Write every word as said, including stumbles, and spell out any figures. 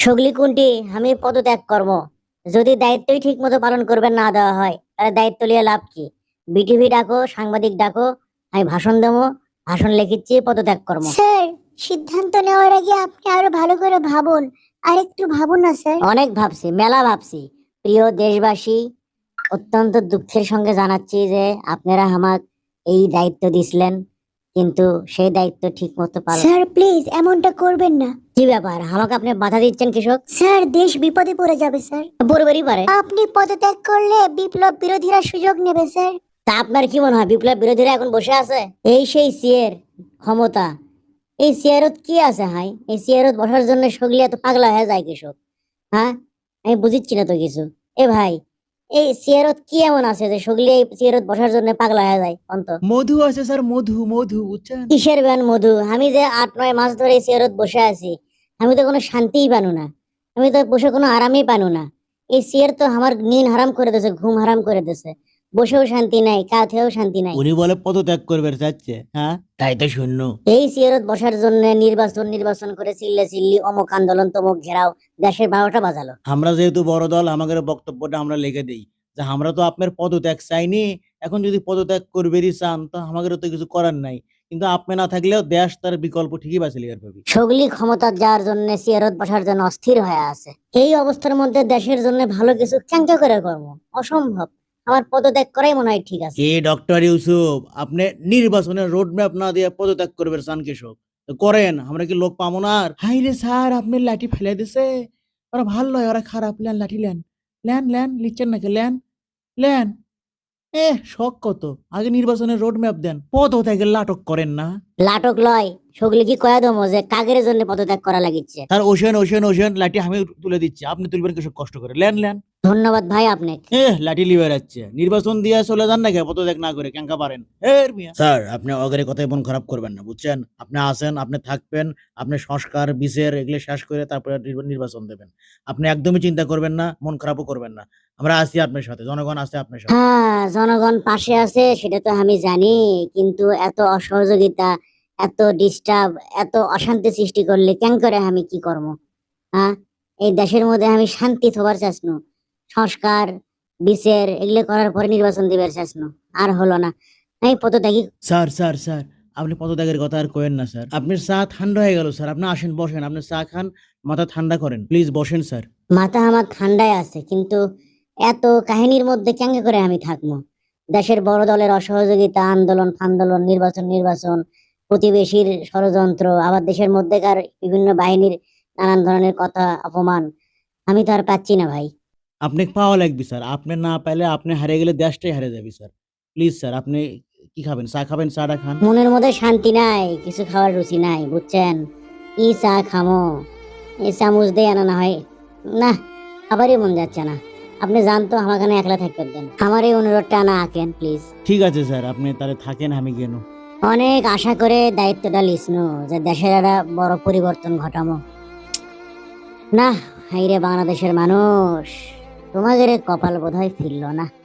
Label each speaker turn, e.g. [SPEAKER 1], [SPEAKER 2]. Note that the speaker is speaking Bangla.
[SPEAKER 1] সগলি কোনটি আমি পদত্যাগ করব। যদি দায়িত্বই ঠিক মতো পালন করবেন না দেওয়া হয় তাহলে দায়িত্ব নিয়ে লাভ কি? বিটিভি ডাকো, সাংবাদিক ডাকো, আমি ভাষণ দেবো, ভাষণ লিখিচ্ছি, পদত্যাগ করবো।
[SPEAKER 2] স্যার, সিদ্ধান্ত নেওয়ার আগে আপনি আরো ভালো করে ভাবুন। আর একটু ভাবুন না স্যার।
[SPEAKER 1] অনেক ভাবছি, মেলা ভাবছি। প্রিয় দেশবাসী, অত্যন্ত দুঃখের সঙ্গে জানাচ্ছি যে আপনারা আমাক এই দায়িত্ব দিছিলেন, কিন্তু সেই দায়িত্ব ঠিক মতো পালন।
[SPEAKER 2] স্যার প্লিজ এমনটা করবেন না।
[SPEAKER 1] কি ব্যাপার, আমাকে আপনি বাধা দিচ্ছেন কৃষক?
[SPEAKER 2] স্যার, দেশ বিপদে পড়ে যাবে স্যার।
[SPEAKER 1] পরিবারই পারে।
[SPEAKER 2] আপনি পদত্যাগ করলে বিপ্লব বিরোধীরা সুযোগ নেবে স্যার।
[SPEAKER 1] তা আপনার কি মনে হয় বিপ্লব বিরোধীরা এখন বসে আছে? এই সেই সিয়ের ক্ষমতা। এই চেয়ারত কি আছে হাই? এই চেয়ারত বসার জন্য সগলি এত পাগলা হয়ে যায় কৃষক? হ্যাঁ, আমি বুঝিচ্ছি না তো কিছু। এ ভাই, এই চেয়ারত কি এমন আছে যে সগলি এই চেয়ারত বসার জন্য পাগলা হয়ে যায়? অন্ত
[SPEAKER 3] মধু আছে স্যার, মধু মধু বুঝছেন?
[SPEAKER 1] কিসের ব্যান মধু? আমি যে আট নয় মাস ধরে এই চেয়ারত বসে আছি, আমি তো কোনো শান্তিই পানু না, আমি তো বসে কোনো আরামই পানু না। এই চেয়ার তো আমার নিন হারাম করে দিয়েছে, ঘুম হারাম করে দিয়েছে। বসেও শান্তি নাই, কাঁথেও শান্তি নাই।
[SPEAKER 3] উনি বলে পদত্যাগ করবে চাচ্ছে, হ্যাঁ তাই তো শূন্য।
[SPEAKER 1] এই চেয়ারত বসার জন্য নির্বাচন নির্বাচন করে চিল্লে চিল্লি, অমুক আন্দোলন তমুক ঘেরাও, দেশের বারোটা বাজালো।
[SPEAKER 3] আমরা যেহেতু বড় দল, আমাদের বক্তব্যটা আমরা লিখে দিই যে আমরা তো আপনার পদত্যাগ চাইনি। এখন যদি পদত্যাগ করবেরই চান তো আমাদের তো কিছু করার নাই, কিন্তু আপনি না থাকলেও দেশ তার বিকল্প ঠিকই বাঁচিয়ে লিয়ার পাবি।
[SPEAKER 1] সগলি ক্ষমতা যাওয়ার জন্য চেয়ারত বসার জন্য অস্থির হয়ে আছে। এই অবস্থার মধ্যে দেশের জন্য ভালো কিছু ক্যাঙ্কা করে কর্ম অসম্ভব। আমার পদত্যাগ করাই মনে হয় ঠিক আছে।
[SPEAKER 3] কে ডক্টর ইউসুফ, আপনি নির্বাচনের রোড ম্যাপ না দিয়ে পদত্যাগ করবেন চান কৃষক? তো করেন, আমরা কি লোক পাবো না? আর হাই রে স্যার, আপনি লাঠি ফেলে দিছে। ওরা ভালো লয়, ওরা খারাপ। লেন লাঠি লেন, লেন লেন, লিখছেন নাকি? Lane lane. এ শখ কত, আগে নির্বাচনের রোড ম্যাপ দেন, পদত্যাগের নাটক করেন না।
[SPEAKER 1] লাটক লয়, সগলি কি কয়া দমো যে কাগের জন্য পদত্যাগ করা লাগিচ্ছে?
[SPEAKER 3] তার ওশেন ওশেন ওশেন লাঠি আমি তুলে দিচ্ছি, আপনি তুলবেন কৃষক কষ্ট করে। লেন লেন।
[SPEAKER 1] ধন্যবাদ ভাই আপনাকে।
[SPEAKER 3] এ লাঠি লিবে যাচ্ছে, নির্বাচন দিয়ে চলে যান নাকি পদত্যাগ না করে? ক্যাঙ্কা পারেন এর মিয়া। স্যার, আপনি অগের কথায় মন খারাপ করবেন না, বুঝছেন? আপনি আসেন, আপনি থাকবেন, আপনি সংস্কার বিচার এগুলো শেষ করে তারপরে নির্বা- নির্বাচন দেবেন। আপনি একদমই চিন্তা করবেন না, মন খারাপও করবেন না। আমরা আছি আপনার সাথে, জনগণ আছে আপনার সাথে।
[SPEAKER 1] হ্যাঁ, জনগণ পাশে আছে সেটা তো আমি জানি, কিন্তু এত অসহযোগিতা, এত ডিস্টার্ব, এত অশান্তি সৃষ্টি করলে কেন করে আমি কি করবো? হ্যাঁ, এই দেশের মধ্যে আমি শান্তি থবার চাচ্ছনু, সংস্কার বিচার এগুলো করার পরে নির্বাচন দিবার চাচ্ছনু, আর হলো না। আমি পদত্যাগী।
[SPEAKER 3] স্যার স্যার স্যার, আপনি পদত্যাগের কথা আর কোয়েন না স্যার। আপনার চা ঠান্ডা হয়ে গেল স্যার, আপনি আসেন বসেন, আপনি চা খান, মাথা ঠান্ডা করেন, প্লিজ বসেন স্যার।
[SPEAKER 1] মাথা আমার ঠান্ডায় আছে, কিন্তু এত কাহিনীর মধ্যে কেঙ্গে করে আমি থাকবো? দেশের বড় দলের অসহযোগিতা, আন্দোলন ফান্দোলন, নির্বাচন নির্বাচন, প্রতিবেশীর ষড়যন্ত্র, আবার দেশের মধ্যেকার বিভিন্ন বাহিনীর নানান ধরনের কথা অপমান, আমি তো আর পাচ্ছি না ভাই।
[SPEAKER 3] আপনি পাওয়া লাগবে স্যার, আপনি না পাইলে আপনি হারিয়ে গেলে দেশটাই হারিয়ে যাবে স্যার। প্লিজ স্যার, আপনি কি খাবেন? চা খাবেন? চাটা খান।
[SPEAKER 1] মনের মধ্যে শান্তি নাই, কিছু খাওয়ার রুচি নাই, বুঝছেন? ই চা খামো, এই চামচ দিয়ে আনা না হয় না, খাবারই মন যাচ্ছে না। আপনি জানতো আমার এখানে একলা থাকতে দেন, আমার এই অনুরোধটা না আঁকেন প্লিজ।
[SPEAKER 3] ঠিক আছে স্যার, আপনি তাহলে থাকেন, আমি গেল।
[SPEAKER 1] অনেক আশা করে দায়িত্বটা লিসনু যে দেশের একটা বড় পরিবর্তন ঘটামো। না, হাইরে বাংলাদেশের মানুষ, তোমাদের কপাল বোধহয় ফিরল না।